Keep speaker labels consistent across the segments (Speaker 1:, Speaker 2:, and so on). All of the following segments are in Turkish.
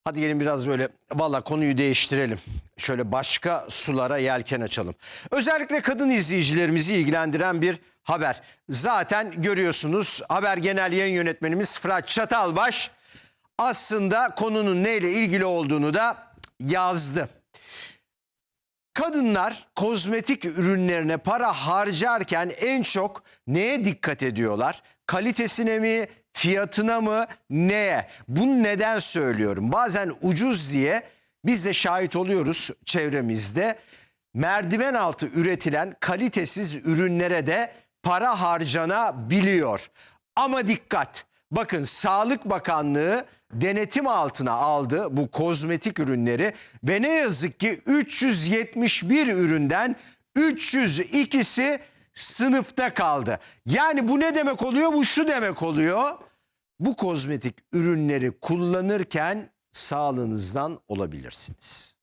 Speaker 1: Hadi gelin biraz böyle valla konuyu değiştirelim. Şöyle başka sulara yelken açalım. Özellikle kadın izleyicilerimizi ilgilendiren bir haber. Zaten görüyorsunuz Haber Genel Yayın Yönetmenimiz Fırat Çatalbaş aslında konunun neyle ilgili olduğunu da yazdı. Kadınlar kozmetik ürünlerine para harcarken en çok neye dikkat ediyorlar? Kalitesine mi, fiyatına mı, neye? Bunu neden söylüyorum? Bazen ucuz diye biz de şahit oluyoruz çevremizde. Merdiven altı üretilen kalitesiz ürünlere de para harcanabiliyor. Ama dikkat! Bakın Sağlık Bakanlığı denetim altına aldı bu kozmetik ürünleri ve ne yazık ki 371 üründen 302'si sınıfta kaldı. Yani bu ne demek oluyor? Bu şu demek oluyor. Bu kozmetik ürünleri kullanırken sağlığınızdan olabilirsiniz.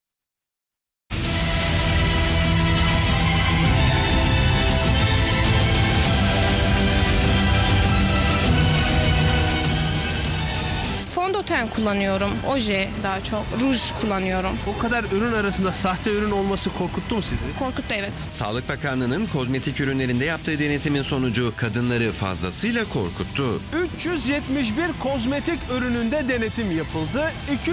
Speaker 2: Fondöten kullanıyorum, oje daha çok, ruj kullanıyorum.
Speaker 3: O kadar ürün arasında sahte ürün olması korkuttu mu sizi?
Speaker 2: Korkuttu, evet.
Speaker 4: Sağlık Bakanlığı'nın kozmetik ürünlerinde yaptığı denetimin sonucu kadınları fazlasıyla korkuttu.
Speaker 3: 371 kozmetik ürününde denetim yapıldı.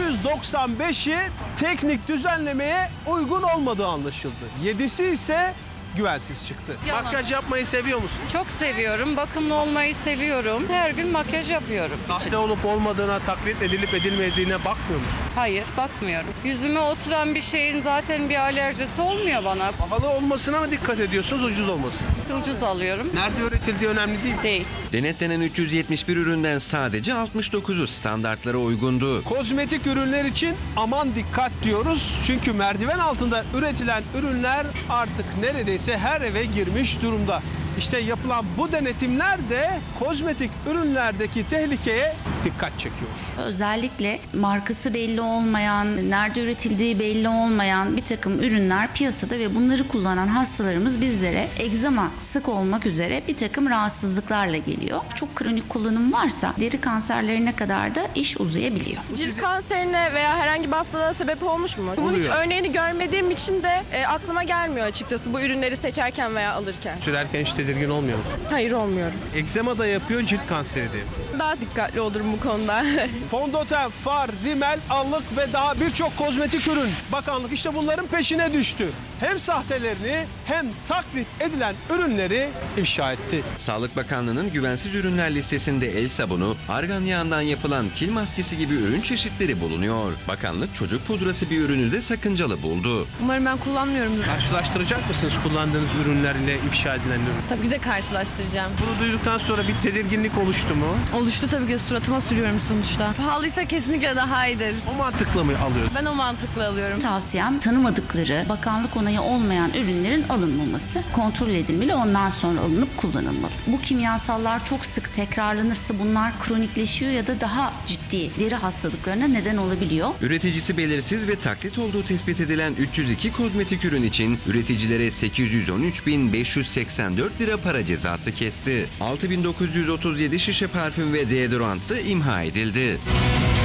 Speaker 3: 295'i teknik düzenlemeye uygun olmadığı anlaşıldı. 7'si ise güvensiz çıktı.
Speaker 5: Yalan.
Speaker 3: Makyaj yapmayı seviyor musun?
Speaker 5: Çok seviyorum. Bakımlı olmayı seviyorum. Her gün makyaj yapıyorum.
Speaker 3: Sahte olup olmadığına, taklit edilip edilmediğine bakmıyor musun?
Speaker 5: Hayır, bakmıyorum. Yüzüme oturan bir şeyin zaten bir alerjisi olmuyor bana.
Speaker 3: Pahalı olmasına mı dikkat ediyorsunuz, ucuz olmasına?
Speaker 5: Ucuz alıyorum.
Speaker 3: Nerede üretildiği önemli değil.
Speaker 5: Değil.
Speaker 4: Denetlenen 371 üründen sadece 69'u standartlara uygundu.
Speaker 3: Kozmetik ürünler için aman dikkat diyoruz. Çünkü merdiven altında üretilen ürünler artık neredeyse her eve girmiş durumda. İşte yapılan bu denetimler de kozmetik ürünlerdeki tehlikeye dikkat çekiyor.
Speaker 6: Özellikle markası belli olmayan, nerede üretildiği belli olmayan bir takım ürünler piyasada ve bunları kullanan hastalarımız bizlere egzama sık olmak üzere bir takım rahatsızlıklarla geliyor. Çok kronik kullanım varsa deri kanserlerine kadar da iş uzayabiliyor.
Speaker 2: Cilt kanserine veya herhangi bir hastalığa sebep olmuş mu? Bunun hiç
Speaker 3: Oluyor.
Speaker 2: örneğini görmediğim için de aklıma gelmiyor açıkçası bu ürünleri seçerken veya alırken.
Speaker 3: Sürerken hiç tedirgin olmuyor musun?
Speaker 2: Hayır, olmuyorum.
Speaker 3: Egzama da yapıyor, cilt kanseri de yapıyor.
Speaker 2: Daha dikkatli olurum bu konuda.
Speaker 3: Fondöten, far, rimel, allık ve daha birçok kozmetik ürün. Bakanlık işte bunların peşine düştü. Hem sahtelerini hem taklit edilen ürünleri ifşa etti.
Speaker 4: Sağlık Bakanlığı'nın güvensiz ürünler listesinde el sabunu, argan yağından yapılan kil maskesi gibi ürün çeşitleri bulunuyor. Bakanlık çocuk pudrası bir ürünü de sakıncalı buldu.
Speaker 2: Umarım ben kullanmıyorum.
Speaker 3: Karşılaştıracak mısınız kullandığınız ürünlerle ifşa edilen ürün?
Speaker 2: Tabii ki de karşılaştıracağım.
Speaker 3: Bunu duyduktan sonra bir tedirginlik oluştu mu?
Speaker 2: Oluştu tabii ki, suratıma sürüyorum sonuçta. Pahalıysa kesinlikle daha iyidir.
Speaker 3: O mantıkla mı alıyorsun?
Speaker 2: Ben o mantıklı alıyorum.
Speaker 6: Tavsiyem tanımadıkları, bakanlık onayı olmayan ürünlerin alınmaması. Kontrol edilmeli, ondan sonra alınıp kullanılmalı. Bu kimyasallar çok sık tekrarlanırsa bunlar kronikleşiyor ya da daha ciddi deri hastalıklarına neden olabiliyor.
Speaker 4: Üreticisi belirsiz ve taklit olduğu tespit edilen 302 kozmetik ürün için üreticilere 813.584 lira para cezası kesti. 6.937 şişe parfüm ve deodorant da imha edildi.